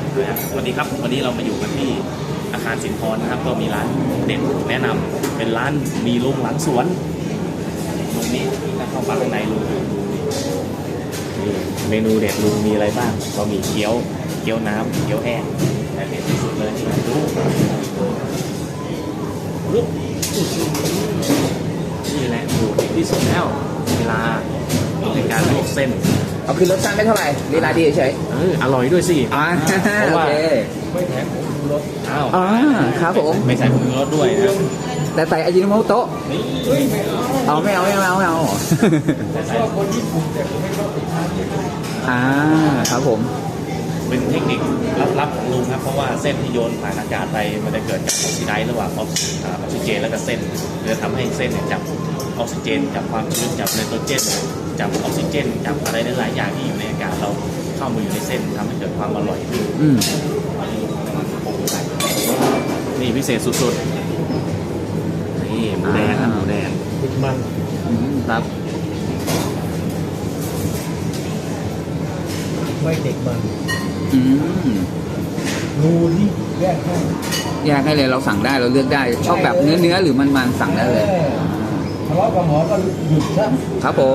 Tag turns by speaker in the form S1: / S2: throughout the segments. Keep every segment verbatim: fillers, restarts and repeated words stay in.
S1: สวัสดีครับวันนี้เรามาอยู่กันที่อาคารสินพรนะครับก็มีร้านเด็ดแนะนำเป็นร้านมีลุงหลังสวนตรงนี้ถ้าเข้ามาข้างในลุงนี่เมนูเด็ดลุงมีอะไรบ้างก็มีเกี๊ยวเกี๊ยวน้ำเกี๊ยวแห้งแต่เด็ดที่สุดเลยนี่ดูนี่แหละดูเด็ดที่สุดแล้วเวลาในการลวกเส้น
S2: เอาคือรสชาติไม่เท่าไหร่ลีลาดีเฉย
S1: เอออร่อยด้วยสิ
S2: อ่า
S1: เพราะว่า
S2: ไม่แถมผงชูรสอ้าว
S1: อ่า
S2: ครับผม
S1: ไม่ใส่ผงชูรสด้วยนะ
S2: แต่ใส่อาจิโนโมโตะเอาไม่เอาไม่เอาไม่เอาชอบคนญี่ปุ่นแต่ผมไม่ชอบติดน้ำอ่าครับผม
S1: เป็นเทคนิคลับๆของลุงครับเพราะว่าเส้นที่โยนผ่านอากาศไปมันจะเกิดจากออกซิไดซ์ระหว่างออกซิเจนแล้วก็เส้นจะทำให้เส้นเนี่ยจับออกซิเจนจับความชื้นจับไนโตรเจนจับออกซิเจนจับอะไรหลายอย่างที่อยู่ในอากาศเราเข้ามาอยู่ในเส้นทำให้เกิดความอร่อยขึ้นนี่พิเศษสุดๆนี่หมูแดงครับหมูแดง
S2: ติดมัน
S1: ครับ
S2: ไม่เด็กมันรูที่แยกให้
S3: แยกให้เลยเราสั่งได้เราเลือกได้ชอบแบบเนื้อเนื้อหรือมันมันสั่งได้เลย
S2: ทะเลาะกับหมอก็หยุดซะ
S3: ครับผม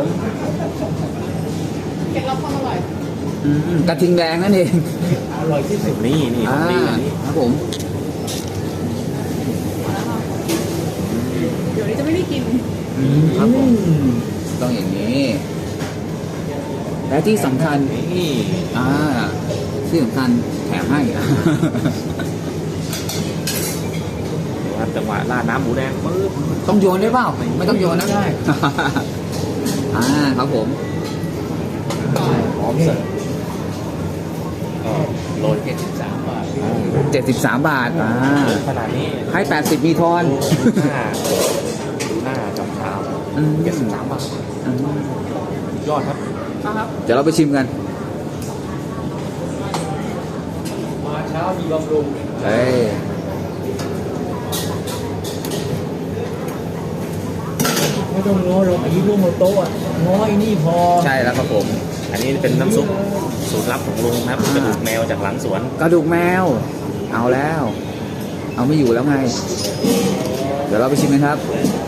S4: เคล็ดลับความอร่อย
S3: กระทิงแดงนั่นเอง
S2: อร่อยที่สุด
S1: นี่นี่นี่
S3: ครับผม
S4: เดี๋ยวนี้จะไม่ได้กิน
S3: ครับผมต้องอย่างนี้และที่สำคัญ
S1: นี่
S3: อ่าที่สำคัญแถมให้
S1: ครับจังหวะราดน้ำหมูแดงปึ๊บ
S3: ต้องโยนได้เปล่าไม่ต้องโยนนะได้อ่าครับผม
S1: พร้อมเสิร์ฟโลเจ็ดสิบสามบาท
S3: เจ็ดสิบสามบาทอ่า
S1: ขนาดนี้
S3: ให้แปดสิบมีทอน
S1: หน้าหน้าจำเช้าเจ็ดสิบสามบาทยอดครับ
S3: เดี๋ยวเราไปชิมกัน
S2: มาเช้ามีบำรุง
S3: เฮ้ย
S2: ไม่ต้องง้อหรอกอายุร่วมโต๊ะง้อยนี่พอ
S3: ใช่แล้วครับผม
S1: อันนี้เป็นน้ำซุปสูตรลับของลุงครับกระดูกแมวจากหลังสวน
S3: กระดูกแมวเอาแล้วเอาไม่อยู่แล้วไงเดี๋ยวเราไปชิมกันครับ